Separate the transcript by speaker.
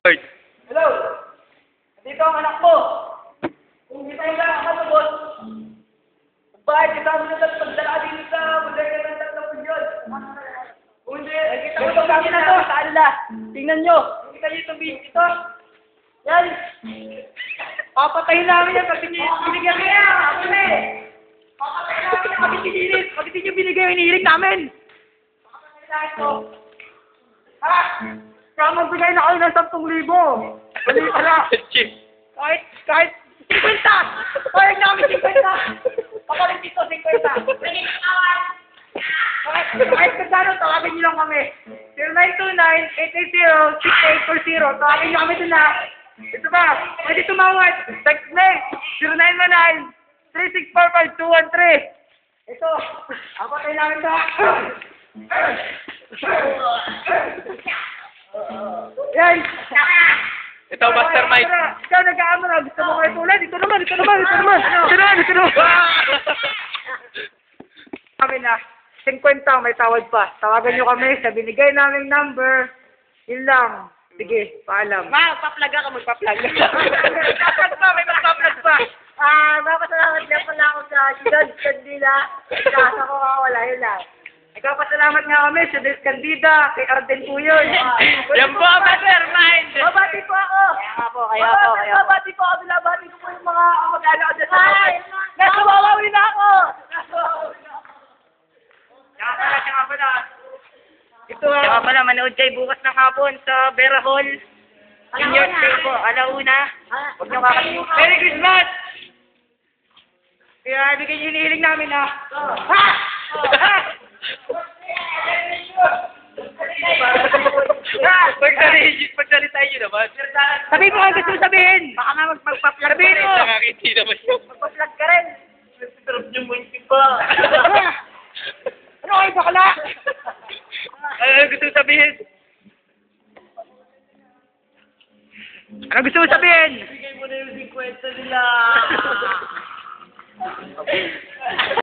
Speaker 1: Hello! Dito ang anak mo. Kung kita yung lang ang matubos, bakit kasama na tayo pagdala dito sa bodega ng 3 milyon? Hindi, kita ko yung kami na to sa kanila. Tingnan nyo. Kita nyo itong video ito. Yan. Papatayin namin yan pag binigyan kaya. Papatayin namin yan pag binilis. Pag hindi nyo binigay yung hinihiling namin. Papatayin namin ito. Ha? Kaya magbigay na kayo ng 10,000. Mali pala. Kahit 50! Parang namin 50! Papalit dito 50! Kahit kagano, tawagin nyo lang kami. 0929-880-6840. Tawagin nyo kami doon na. Ito ba? Pwede tumawad. Text me. 0919-3645213. Ito. Apatay namin ito. Yan.
Speaker 2: Ito, mastermind.
Speaker 1: Ikaw nag-aamo na. Gusto mo kayo tulad? Ito naman. Kami na. 50 may tawad pa. Tawagan nyo kami sa binigay naming number. Yun lang. Sige, paalam.
Speaker 3: Magpa-plug ka, magpa-plug.
Speaker 1: Magpa-plug pa, may magpa-plug pa.
Speaker 3: Magpasalamat lang pala ako sa Judge Candila. Kasa ko wala, yun lang.
Speaker 1: Nagpapasalamat nga kami sa Des Candida, kay Arden Puyon.
Speaker 2: Yan po, mastermind.
Speaker 1: Babati po ako.
Speaker 3: Kaya po.
Speaker 1: Babati po ako. Binabati ko po yung mga mag-ano ko dyan sa kapit. Nasuwawawi na ako. Tsaka pala. Ito
Speaker 3: Tsaka pala, manood kayo bukas ng hapon sa Vera Hall. Senior Day po, alauna. Huwag niyo kakalimutan.
Speaker 1: Merry Christmas! Kaya ibigay yung hinihiling namin ha.
Speaker 2: Pagsalita nyo naman.
Speaker 1: Sabihin mo ang gusto mo sabihin.
Speaker 3: Baka na magpa-plug
Speaker 1: Sabihin mo.
Speaker 2: Nakakiti naman yun.
Speaker 3: Magpa-plug ka rin.
Speaker 2: Sarap niyo mo yung pa.
Speaker 1: Ano kayo bakla?
Speaker 2: Ano gusto sabihin?
Speaker 1: Ano gusto mo sabihin?
Speaker 2: Bigay mo na yung 50 nila.